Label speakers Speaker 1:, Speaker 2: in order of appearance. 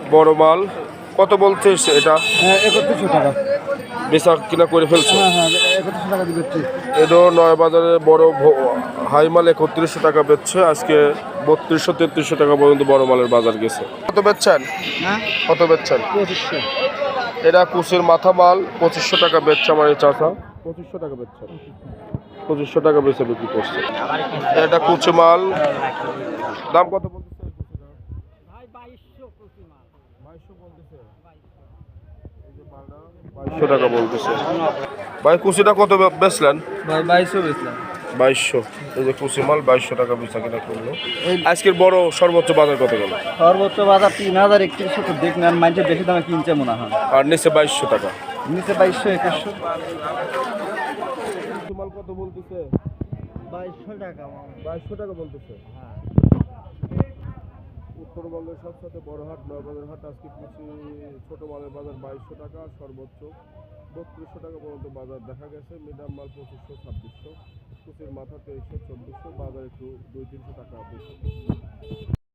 Speaker 1: বড় মাল কত বলছিস এটা?
Speaker 2: 3100 টাকা।
Speaker 1: বেচা কিনা করে ফেলছো?
Speaker 2: হ্যাঁ 3100 টাকা দিচ্ছি।
Speaker 1: এদো নয় বাজারে বড় হাই মাল 3100 টাকা বেচছে। আজকে 3200-3300 টাকা পর্যন্ত বড় মালের বাজার গেছে। কত বেচছেন?
Speaker 2: হ্যাঁ
Speaker 1: কত বেচছেন?
Speaker 2: 2500।
Speaker 1: এটা কুচির মাথা মাল 2500 টাকা বেচছে আমার এই চাচা। 2500 টাকা বেচছে, 2500 টাকা বেচে বিক্রি করছে। এটা কুচি মাল দাম কত বলতেছে? 2200 টাকা বলতেছে। ভাই কুচিটা কত বেচলেন?
Speaker 2: ভাই 2200 বেচলাম।
Speaker 1: 2200। এই যে কুচি মাল 2200 টাকা বেচা কিনা করলো। আজকের বড় সর্বোচ্চ বাজার কত গেল?
Speaker 2: সর্বোচ্চ বাজার 3000-3100 তো দেখলেন, আর মানুষের বেশি দামে কিনছে মনে হয়।
Speaker 1: আর নিচে 2200 টাকা।
Speaker 2: নিচে 2200-2100।
Speaker 1: কুচি মাল কত বলতেছে?
Speaker 2: 2200 টাকা।
Speaker 1: 2200 টাকা বলতেছে। উত্তরবঙ্গের সবচেয়ে বড় হাট নয়বাজার হাট। আজকে কুচি ছোট মালের বাজার 2200 টাকা, সর্বোচ্চ 3200 টাকা পর্যন্ত বাজার দেখা গেছে। মিডিয়াম মাল 2500-2600, কুচির মাথা 2300-2400, বাজার একটু 200-300 টাকা বেশি।